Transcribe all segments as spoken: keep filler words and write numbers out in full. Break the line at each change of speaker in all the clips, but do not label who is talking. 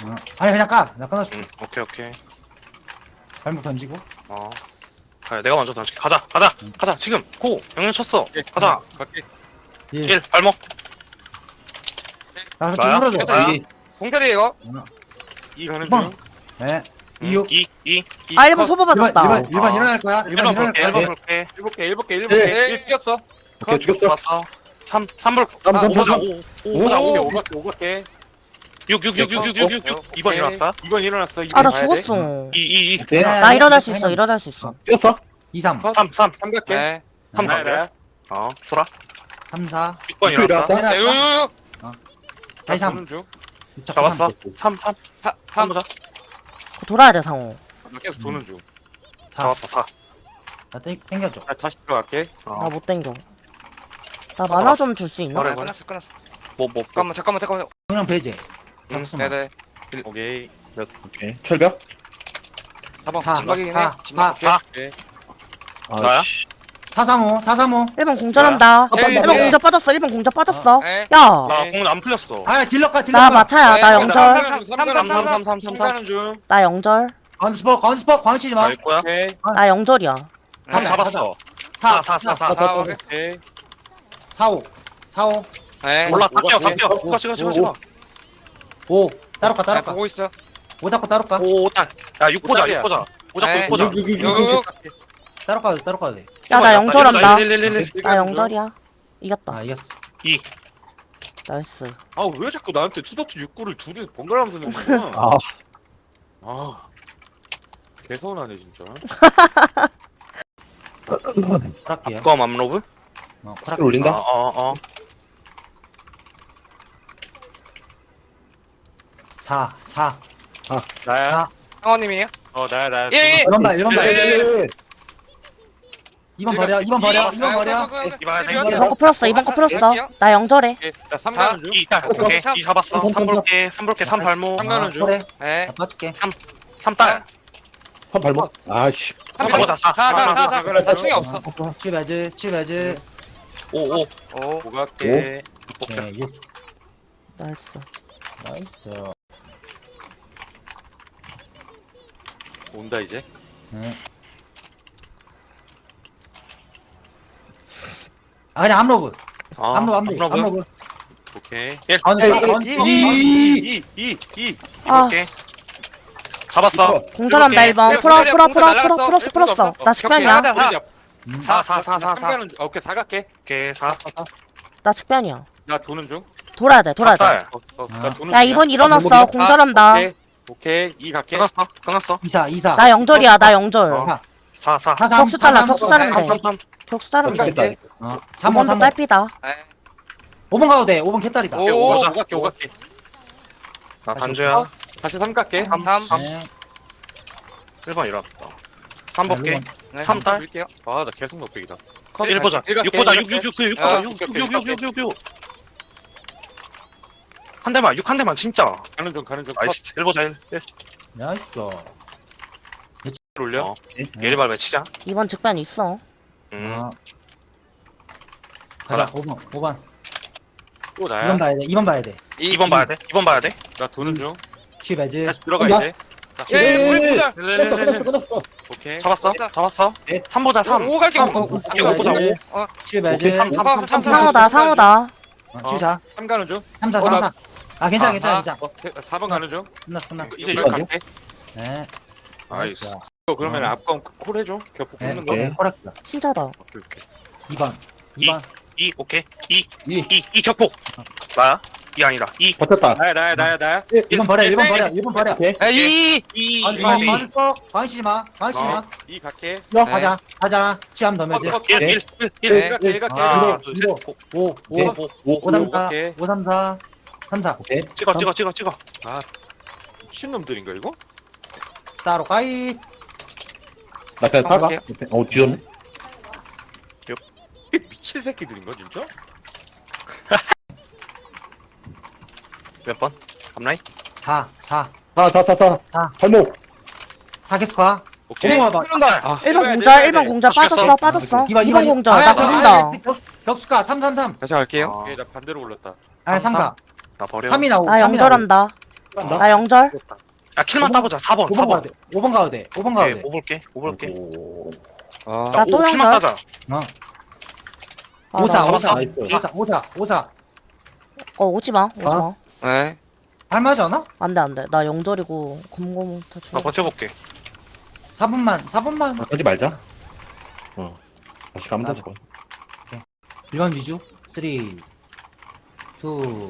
어. 아니 그냥 까. 나 끊어줄게.
응, 오케이, 오케이.
발목 던지고.
어. 가, 내가 먼저 던질게. 가자, 가자,
응.
가자. 지금 고. 영영 쳤어.
예,
가자.
갈게.
일.
일 발목.
나
나야?
지금 풀어줘.
나야?
공짜리 이거.
어.
이 가는
번.
중.
네.
응,
이육.
이, 이.
아 일 번 소보
일번
맞았다.
일번 일번
아.
일어날 거야. 일번
일 번
일어날
볼게,
거야.
일 번
네.
볼게.
일곱 개, 일곱 개, 일곱 개. 일 뛰었어.
오케이 죽였어.
봤어. 삼, 삼 불.
삼,
오
삼,
보자,
삼.
오, 오
오가
보자,
오개,
오.
오가 개, 오가 개.
육, 육, 육, 육, 육, 육, 육, 육. 이 번 일어났다.
이번 일어났어.
아 나
이번 봐야 돼.
죽었어.
이, 이, 이.
오케이.
야,
나
야,
일어날
야,
수 있어.
야,
일어날 수 있어.
뛰었어.
이, 삼.
삼, 삼.
삼 갈게.
네.
삼
나야,
갈게.
나야.
어, 돌아.
삼, 사.
육 번
육번
일어났다.
일어났다.
야, 요, 요, 요.
다시 삼.
도는 중.
잡았어. 삼, 삼.
사,
삼
삼.
보자.
돌아야 돼 상호.
나 계속 도는 중.
사.
잡았어, 사.
나 땡, 땡겨줘.
나 다시 들어갈게.
어.
나 못 땡겨. 나 만화 좀 줄 수 있나?
그래,
아,
그래.
끝났어, 끝났어.
뭐, 뭐.
잠깐만, 잠깐만, 잠깐만.
그냥 배제.
응,
격수만.
네네.
오케이.
오케이. 철벽.
사 번.
사,
진박이긴
사,
해. 진박
사.
오케이.
아,
나야?
씨.
사삼오, 사삼오.
일 번 공절한다.
에이,
일 번
에이.
공절 빠졌어. 일 번 공절 빠졌어.
에?
야,
나 공은 안 풀렸어.
아, 딜러가,
나
딜러가.
마차야. 나
에이,
영절.
삼,
삼,
삼,
삼,
삼, 삼,
삼, 삼, 삼,
삼
삼, 삼.
가는 중.
나 영절.
건스포, 건스포, 광치지 마.
나 있고야.
오케이.
나 영절이야.
삼
네,
잡았어.
사,
사, 사, 사, 사.
아, 오케이.
오케이.
사오, 사오,
에?
올라, 다
오가
뛰어, 다
돼.
뛰어. 찍어, 찍어, 찍어, 찍어.
오. 따로 가,
나
따로 가.
보고 있어.
오 잡고 따로 가.
오, 딱. 야, 육 보자,
오답이야.
육 보자. 오 잡고
에이.
육 보자.
육, 육, 육, 육,
요, 요, 요.
따로 가도 돼, 따로 가도 돼.
야, 나 영절한다.
일, 일, 일, 일.
나 영절이야. 이겼다.
아, 이겼어.
나이스.
아, 왜 자꾸 나한테 투더투 육구를 둘이서 번갈아가면서 내는 거야?
아,
아. 개서운하네, 진짜.
콜할게요.
그거 맘로브?
어,
킬
콜할게.
올린다.
어, 어, 어.
사, 사.
나야.
사.
상원님이에요?
어, 나야, 나야.
예, 예.
일 번 봐, 일 번 봐.
예, 예,
이 번 버려, 이 번 버려, 이 번 버려.
이번 하자,
이번
이번
거 풀었어. 이번 거 풀었어. 나 영절해.
오케이. 나 삼
사.
가는 중.
이, 딱, 오케이. 이 잡았어.
삼,
삼 볼게, 삼 볼게, 삼 발목.
삼 가는 중.
그래.
에?
나 빠질게.
삼 딸.
선 발목. 아씨.
삼 보자, 사.
사, 사, 사, 사.
삼
나 충이 없어.
치 배즈, 치 배즈.
오, 오.
오.
오갈게.
오케이.
네, 육.
나이스.
나이스.
온다, 이제.
네. 아, 그냥 암로브.
어,
암로브, 암로브,
암로브.
암로브.
오케이.
아니,
에이,
아니,
에이,
아니,
이,
아니.
이,
이, 이, 이.
아,
이볼게. 잡았어.
공절한다 일 번.
이렇게.
풀어, 풀어,
공절
풀어,
날라갔어.
풀어, 풀었어,
일분도
풀었어.
없어.
나 식변이야.
격투 하자.
음.
사, 사, 사, 사,
삼
사.
가는 중. 오케이, 사 갈게.
오케이, 사.
나 식변이야.
나 도는 중.
돌아야 돼. 돌아야 돼.
딸.
어, 어,
아.
나 도는
야,
중이야.
이번 일어났어. 공절한다.
오케이. 오케이. 이 갈게.
끊었어, 끊었어.
이사, 이사.
나 영절이야. 나 영절.
어. 사, 사.
사, 삼,
격수 잘라,
사, 삼,
격수 자르면
삼,
돼.
삼, 삼.
격수 자르면 돼.
갈게.
어, 삼 번,
이번도
삼 번.
딸피다.
에?
오 번 가도 돼. 오 번 개딸이다.
오.
오,
보자.
오갈게, 오갈게.
나 단주야.
다시 삼 갈게.
삼, 삼.
네.
일 번 일어났다. 삼
네,
볼게.
일 번.
네,
삼 딸.
볼게요.
아, 나 계속 넉백이다.
일 보자.
일 갈게,
육 보자.
일
육,
갈게.
육, 육, 육, 육
아,
보자. 육,
오케이,
육,
오케이,
육, 육, 육, 육, 육. 한 대만, 육 한 대만 진짜.
가는 중, 가는 중.
나이스. 일 보자, 일. 일.
나이스.
컷 올려.
어. 일 발 외치자.
이번 직변 있어.
음.
어. 가자, 오 번, 오 번.
또
이 번
나야.
봐야 돼, 이 번 봐야 돼.
이 번 봐야 돼. 이 번 봐야 돼.
나 도는 중.
치 배즈.
다시 들어가,
나?
이제.
예, 예, 우리 보자.
끊었어, 끊었어, 끊었어.
오케이.
잡았어? 잡았어?
네.
삼 보자, 삼.
오 갈게.
삼,
오, 오,
오,
이거
오,
보자.
오.
어.
치 배즈.
오케이, 삼,
삼, 삼, 삼, 삼.
상호다, 상호다.
어, 치사.
삼 가는 중.
삼, 사,
어,
삼,
나-
사. 아, 괜찮아,
아,
괜찮아,
아.
괜찮아.
어, 사 번 가는 중.
끝났어, 끝났어.
이제
육
육
번이요?
갈게.
네.
나이스.
이거 그러면
어.
앞건 콜 해줘. 겹포
네,
꽂는 거.
오케이.
호락이다.
신짜다.
오케이, 오케이.
이 번. 이 번.
이, 오케이. 이,
이.
이, 이 격폭. 나야? 이 아니라. 이.
버텼다.
나야, 나야, 나야, 나야.
일 번 버려, 일 번 버려, 일 번 버려.
오케이.
에이.
이,
아니,
이,
아,
이.
방떡 방치지 마, 방치지 마.
이 갈게.
야,
가자, 가자. 치암 더 매즈.
어, 어,
일, 일, 일,
일
일.
갈게, 일 갈게.
하나,
이거,
둘, 셋.
이거.
고.
오, 오,
오케이.
오,
오,
오, 삼, 사.
오케이.
오, 삼, 사. 삼, 사.
오케이.
찍어, 찍어, 찍어, 찍어.
미친놈들인가, 이거?
따로 까이.
나 그냥 사가.
오케이.
어, 뒤졌네.
이게 미친 새끼들인가, 진짜?
몇 번? 앞라인?
사, 사.
사, 사, 사, 사.
사.
발목.
사 계속 가.
오케이.
오, 봐.
발
아,
일 번
해봐야 돼,
공절,
해봐야
일 번
돼.
공절
아시겠어?
빠졌어, 빠졌어.
이 번,
이 번 공절.
아,
나
아,
돌린다.
아, 격- 격수가 삼, 삼, 삼.
다시 갈게요.
어,
오케이, 나 반대로 올랐다.
아니, 삼, 사.
나 버려.
삼이 나오고.
나 영절한다.
간다.
나 영절.
야 킬만 따보자. 사 번
오 번
사
가야
번.
돼. 오 번 가야 돼. 오 번 가야
오케이
돼.
오 볼게 오 볼게.
오.
어.
나 또
오 킬만
영절?
따자.
어.
아,
오사,
나-
오사,
나이스.
오사, 오사, 오사.
어 오지 마. 오지
아.
마.
네.
할만하지 않아?
안돼 안돼. 나 영절이고 검검 다
나
죽어.
버텨볼게.
사 분만, 사 분만.
아, 하지 말자. 어. 다시 가면 돼, 저거.
일 번 위주. 삼, 이, 일,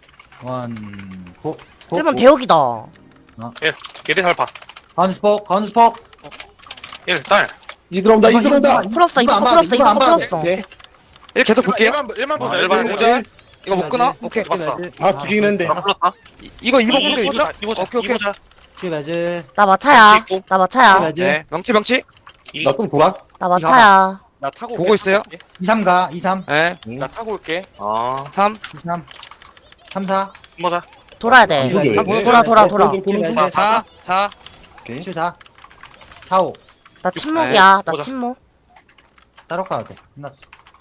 고. 고.
일 번 대역이다.
얘들 잘 봐.
가운데 스포, 가운데 스포.
일 딸.
이 들어온다, 이 들어온다.
플러스
이거
이거
안 봐,
플러스
이거
이거
안 봐.
플러스.
오케이.
일 계속 볼게요.
일만 보자.
아,
일만
일반
보자.
공절. 이거 못 끊어? 오케이.
봤어.
아, 죽이긴 했는데.
나 불렀다.
이- 이거 이번
이
공절
보자.
있어?
이 보자.
오케이,
이
오케이.
보자.
칠 매즈.
나 마차야.
있고.
나 마차야.
매즈.
네. 명치 명치.
이
나 좀 돌아.
나 마차야.
나 타고
보고
올게.
있어요?
이, 삼 가. 이, 삼.
네.
나 타고 올게.
아
삼.
이, 삼. 삼, 사.
보자.
돌아야 돼.
이거
이거
한 번,
돌아 돌아 돌아.
돌아, 돌아, 돌아.
사. 사.
오케이.
칠, 사. 사, 오.
나 침묵이야. 나
보자.
침묵.
따로 가야 돼. 끝났어.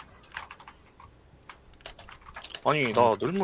아니 나 널무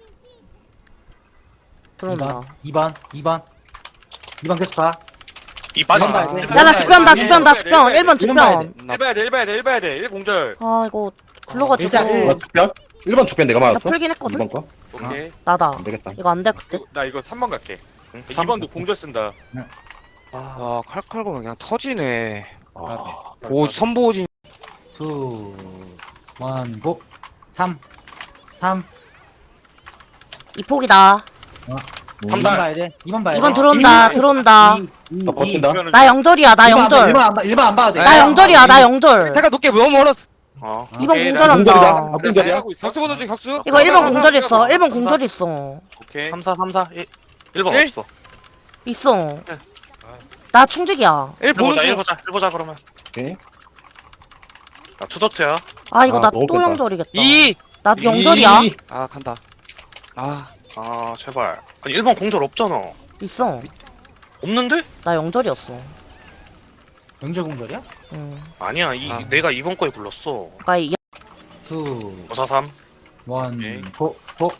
들어온다.
이 번, 이 번. 이 번 계속 가.
이 빠져.
이번 봐야 돼.
야 나 직변 나 직변 나 직변. 일 번
이번 봐야
직변.
나
일 봐야 돼. 일 봐야 돼. 일 봐야 돼. 일 공절.
아 이거 굴러가지고
일단 일.
나 죽변? 일 번 죽변 내가
나
맞았어?
풀긴 했거든.
이번 거?
오케이.
나다.
안 되겠다.
이거 안 될 듯.
이거- 나 이거 삼 번 갈게.
응?
이 번도 공절 쓴다.
와 칼칼 보면 그냥 터지네.
아,
보 선보진.
이, 일, 고. 삼. 삼.
이 폭이다.
이 번 봐야 돼. 이 번 봐야 돼.
이 번 들어온다.
이,
들어온다.
이, 이,
나 버틴다.
이거는
나 영절이야. 나
일 번 안 봐,
영절.
일 번 안 봐, 일 번 안 봐도 돼.
나
나 영절이야. 나 영절.
내가 높게 너무 멀었어.
어.
이 번
오케이, 나
공절한다.
공절이다.
내가
공절이야?
하고 있어.
격수 보는 중 격수.
이거 일 번 공절 있어.
삼,
일 번 공절 있어.
오케이.
삼, 사, 삼, 사. 일 번
일?
없어.
있어. 나 충직이야.
일
일
보는
보자. 일
중.
보자. 일 보자 그러면.
오케이.
나 투더트야.
아 이거
아,
나
너무
또
뺐다.
영절이겠다.
이.
나 영절이야.
이.
아 간다. 아.
아 제발. 아니 일 번 공절 없잖아.
있어.
없는데?
나 영절이었어.
영절 공절이야?
응.
아니야. 이
아.
내가 이번 거에 불렀어.
그러니까 이
이,
오, 사, 삼.
일, 고. 고.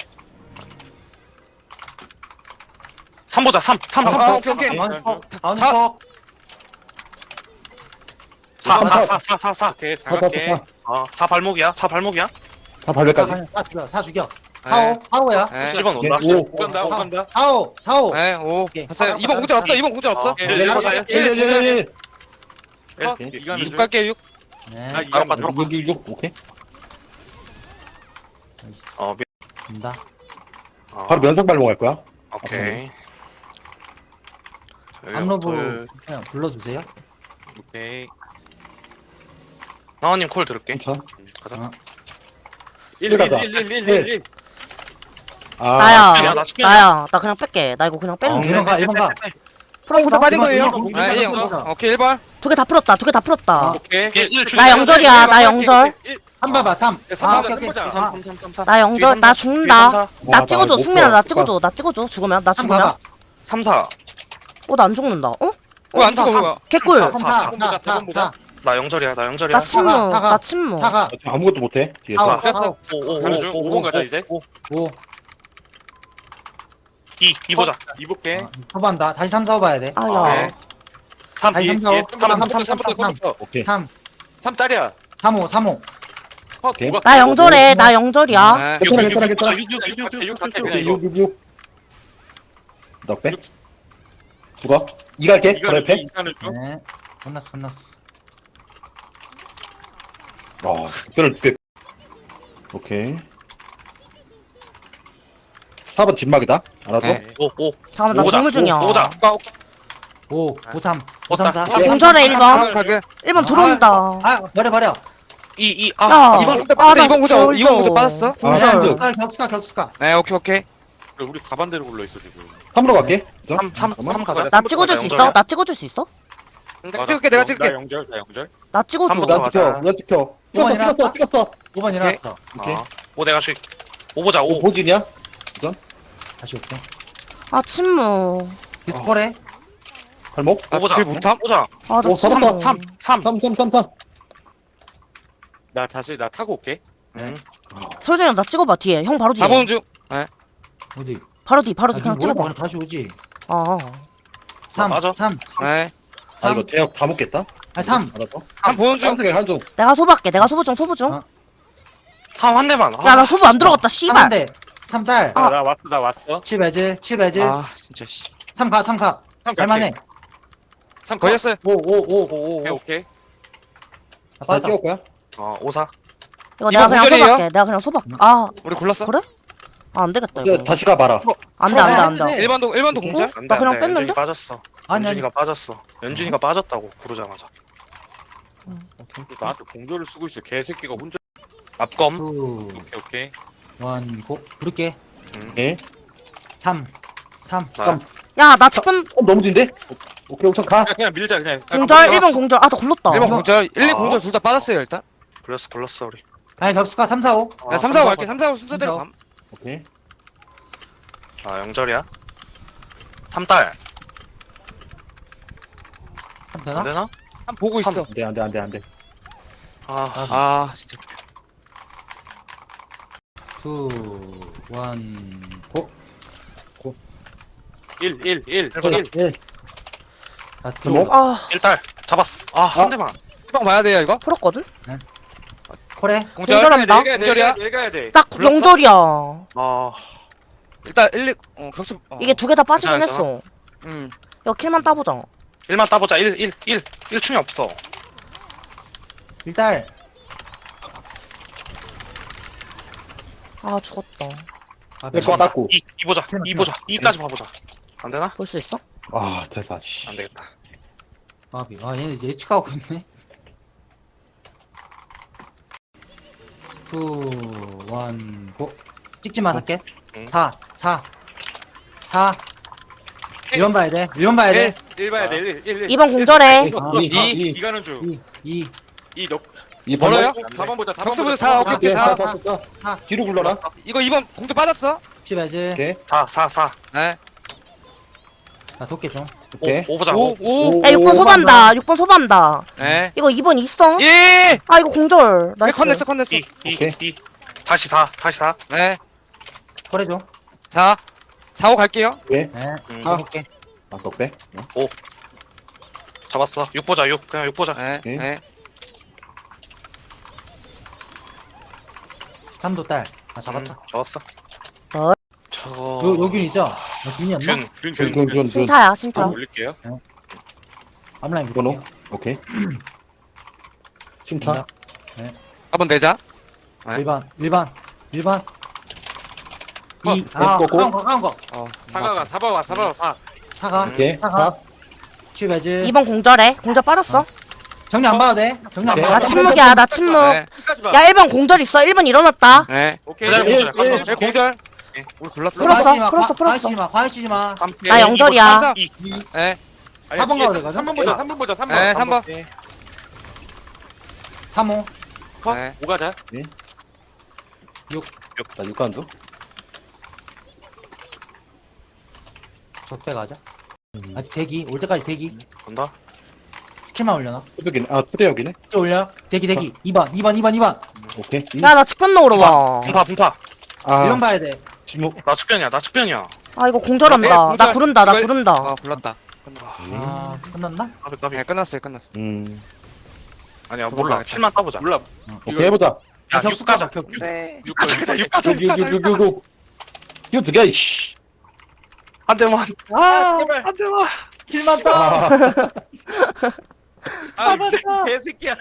삼 보자. 삼. 삼, 삼.
아,
삼.
오케이 오케이.
가운데 스포. 가운데
사.
스포.
사, 사, 사, 사, 사, 사.
오케이. 사
사, 사,
갈게.
사.
아, 사 발목이야. 사 발목이야.
다 발배까지.
사 죽여. 사 죽여. 사, 오. 사, 오야.
네.
일 번 온다.
오.
오 간다. 오 간다.
사, 오. 사, 오.
네. 오.
오케이.
됐어요. 이번 공절 없어. 이번 공절 없어.
어, 일, 일 보자. 일.
일, 일, 일, 일, 일.
일.
어,
이,
이거는
이.
육 갈게 육.
네.
아, 이
바로
번
가, 바로
육, 육, 육. 오케이.
어, 미...
된다.
아,
바로 면상 발목할 거야.
오케이.
암로브
둘.
그냥 불러주세요.
오케이.
나원님 콜 들을게.
괜찮아.
가자.
일, 일,
가자.
일, 일, 일, 일, 일.
아,
나야.
야, 나 치킨이야.
나야. 나 그냥 뺄게. 나 이거 그냥 빼는
어,
중.
일 번 가, 일 번 가.
풀었어.
공절 빠진
이번,
거예요.
이번 공절
네, 일.
빠졌어.
오케이 일 번.
두 개 다 풀었다. 두 개 다 풀었다.
오케이.
일, 일 죽여.
나 영절이야. 나
오케이,
영절.
삼 봐봐, 삼.
야, 삼
아,
보자,
오케이,
삼
오케이.
보자.
아,
삼, 삼, 삼, 삼.
나 영절. 나 죽는다.
와,
나 찍어줘.
못
승민아
봐.
나 찍어줘. 나 찍어줘. 죽으면 나
삼
죽으면.
봐봐.
삼, 사.
어 나 안 죽는다. 어?
왜안 찍어 뭐야?
개꿀.
사,
삼,
사,
사,
사,
사,
사,
사,
보자.
사.
나 영절이야. 나 영절이야.
나 침묵.
사과, 사과.
나 침묵.
사가.
아무것도 못해. 뒤에서.
사오,
됐어.
사오.
오, 오, 오,
가는 중.
오,
오
오,
번 가자
오,
이제.
오.
오.
이, 이 보자.
이 볼게.
초반다. 다시 삼, 사, 오 봐야 돼.
아야.
네.
삼,
아니,
이,
삼, 사, 오.
이, 삼, 삼, 삼, 삼, 삼, 삼.
삼부터.
오케이.
삼,
삼 딸이야.
삼, 오, 삼, 오.
어,
오케이.
뭐가-
나 영절해. 나 영절이야.
네.
괜찮아, 괜찮아, 괜찮아.
육, 육, 육, 육, 육, 육, 육, 육, 육.
오케이, 육, 육, 육. 너 빼. 죽어. 이 갈게. 바로 옆에.
이간을 좀.
네. 끝났어, 끝났어.
어, 특별을 두 개. 오케이. 사 번 진막이다. 알았어?
네.
오, 오.
잠깐만 나
오다.
동물 중이야.
오, 오다.
오, 오, 삼. 오, 삼, 사.
아,
나 공절해 일 번.
갈게.
일 번 들어온다.
아, 버려, 버려.
이, 이,
야.
아,
이번
이번.
빠졌어.
나
이번 공절
절
이번 공절
좀.
빠졌어.
아,
공절.
네.
격수가, 격수가, 격수가.
네 오케이 오케이.
우리 가반대로 굴러 있어 지금.
삼으로 갈게. 그죠?
삼, 삼, 삼 가자.
나 찍어줄 수 있어? 나 찍어줄 수 있어?
내가 찍을게 내가
나
찍을게.
영절, 나 영절.
나 찍어줘.
한 번
나 찍혀.
가자.
나 찍혀.
이번
찍었어,
일어났다?
찍었어, 찍었어.
오 번 일어났어.
오케이.
아, 오, 내가 씩. 오 보자,
오,
오.
보진이야?
다시 올게.
아 침묵.
디스콜해.
발목?
오 보자.
질 못함?
보자.
아 나
오,
침묵.
잡았다.
삼, 삼.
삼, 삼, 삼, 삼.
나 다시 나 타고 올게.
응.
설정이 나 찍어봐 뒤에. 형 바로 뒤에.
사 번 중.
어디?
바로 뒤 바로
아,
뒤 그냥
지금
찍어봐.
그냥 다시 오지.
아
삼,
맞아.
삼,
네.
아
삼.
이거 대역 다 먹겠다.
아니 삼.
알았어.
한 보는 중.
한승에 한중.
내가 소부할게. 내가 소부 중 소부 중.
아.
삼 한 대만.
야 나 소부 안 들어갔다. 씨발.
삼인데. 삼 딸.
아.
나 왔어 나 왔어.
칠 배즈, 칠 배즈.
아 진짜 씨.
삼 가, 삼 가.
삼
갈만해.
삼
걸렸어요.
오, 오, 오.
오오.
오케이 오케이.
아,
다
빠졌다.
찍을 거야?
어 오사.
이거 내가
이거
그냥
공절이에요?
소부할게. 내가 그냥 소부할게. 아
우리 굴렀어?
그래? 아 안 되겠다
이거
이거.
다시 가봐라.
안돼 안돼 안돼.
네.
일반도 일반도 공짜?
안돼
나 그냥
안돼.
뺐는데?
연준이 빠졌어.
아니, 아니.
연준이가 빠졌어. 연준이가 빠졌다고 부르자마자.
나한테 공조를 쓰고 있어. 개새끼가 혼자.
앞검.
투,
오케이 오케이.
원, 고. 부를게.
오케이.
삼, 삼.
나
야나 직분
어 너무 진데? 오케이 우선 가.
그냥, 그냥 밀자 그냥.
공절 일 번 공절. 아나 굴렀다.
일 번 공절, 일, 이
아.
공절 둘 다 빠졌어요 일단.
불렀어 불렀어 우리.
아니, 격수가 삼, 사, 오.
나 삼, 사, 오 갈게. 삼, 사, 오 순서대로 감.
오케이.
아 영절이야. 삼 딸.
삼
안
되나?
되나?
한 보고 있어.
안돼 안돼 안돼 안돼.
아
아 진짜.
투, 원, 고.
일 일 일
해보자.
일.
일.
아, 투.
뭐?
아
일 딸. 잡았어. 아 한
아.
대만.
일방 봐야 돼요 이거?
풀었거든?
콜해.
공절.
공절합니다.
공절이야. 일가야 돼.
딱
불렀어?
명절이야.
아
일단 일, 이 어, 격수. 어.
이게 두 개 다 빠지긴
괜찮아,
했어.
음.
야 킬만 따보자.
일만 따보자. 일 일 일 일 충이 없어.
일 딸.
아 죽었다.
아,
일 거 닦고.
이, 이 보자. 이 보자. 이까지 봐보자. 안 되나?
볼 수 있어?
아 대사 씨.
안 되겠다.
아, 아, 얘네 예측하고 있네. 투, 원, 고. 찍지만 할게.
응.
사, 사, 사. 일 번 봐야 돼. 일 번 봐야 돼.
일 일 봐야 돼. 일 일 일.
이 번 공절해.
아,
이,
이
이,
이 가는 중.
이, 이.
이 너.
이
멀어요?
사 번 보자. 사 번
격수부터
보자.
사,
번
오케이,
보자.
오케이,
사,
사.
사, 사, 사.
사.
뒤로 굴러라.
이거 이 번 공도 빠졌어?
칠배즈.
오케이.
사 사 사.
네.
나 도끼 좀.
오케이.
오 보자.
오,
오.
오.
야 육 번 소반다. 육 번 소반다.
네.
이거 이 번 있어?
일.
아 이거 공절.
네,
나이스.
컨냈어, 컨냈어.
이, 이,
오케이.
이. 다시 사. 다시 사.
네.
콜해줘.
사. 사, 오 갈게요.
오케이.
네.
음,
아, 볼게.
아 덕배.
잡았어. 육 보자. 육 그냥 육 보자.
네.
오케이.
네.
삼도 딸. 아, 잡았다.
음, 잡았어.
어.
저거.
요, 요균이죠? 아, 균이었나?
균.
균,
균,
균,
균,
균.
균.
신차야 신차.
올릴게요.
앞라인
번호.
볼게요.
오케이. 침타.
한번 내자. 네.
일 번, 일 번, 일 번.
어,
이, 아,
고, 고.
가운 거, 가운 거.
어.
사과가 사과가 사과가 사.
사가.
음.
오케이.
사가.
사.
칠배즈.
이 번 공절해. 공절 빠졌어.
정리 안 봐도 돼. 정리 안
오케이.
봐도
나
돼.
침묵이야. 나 침묵.
네.
끝까지 봐.
야 일 번 공절 있어. 일 번 일어났다.
네.
오케이.
그다음에
일,
공절.
일.
일.
네, 공절.
네.
우리 굴렀어.
풀었어,
과하시지 마,
풀었어,
과-
풀었어.
과하시지 마, 과하시지 마.
나 영절이야.
이.
네.
사 번 가도 되거든?
삼 번 보자. 삼 번 보자. 삼 번.
네, 삼 번.
삼 호.
컷.
네.
오 가자.
자 육간도.
적대 가자. 아직 대기. 올 때까지 대기.
본다.
스킬만 올려놔.
투벽이네. 아 투대역이네.
또 올려. 대기, 대기. 이 번, 이 번, 이 번, 이 번.
오케이. 이.
야 나 직변 넣으러 와.
분파 분파.
아
일 번 봐야 돼.
침묵.
나 측변이야. 나 측변이야.
아 이거 공절한다.
네, 공절.
나 구른다. 나
이거-
구른다.
어, 굴렀다.
아, 끝났나?
까비 까비.
네, 끝났어요, 끝났어.
음.
아니야 몰라.
가야겠다.
킬만 따보자.
몰라.
오케이 해보자.
야
격수
육 가자.
가자, 격수.
네.
육 가자.
육 가자. 육 가자. 육 가자.
육육육육육. 이거 두 개야 이씨.
한 대만.
아,
제발.
한 대만.
킬만 따.
아.
아,
맞았다.
개새끼야.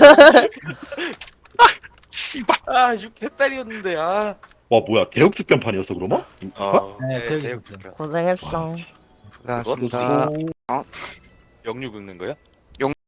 씨발.
아, 육 개딸이었는데. 아.
와 뭐야 대역 주변판이었어 그러면?
어.
네,
네,
대기.
대역
격수.
고생했어.
고생하셨습니다.
영육 긁는 거야?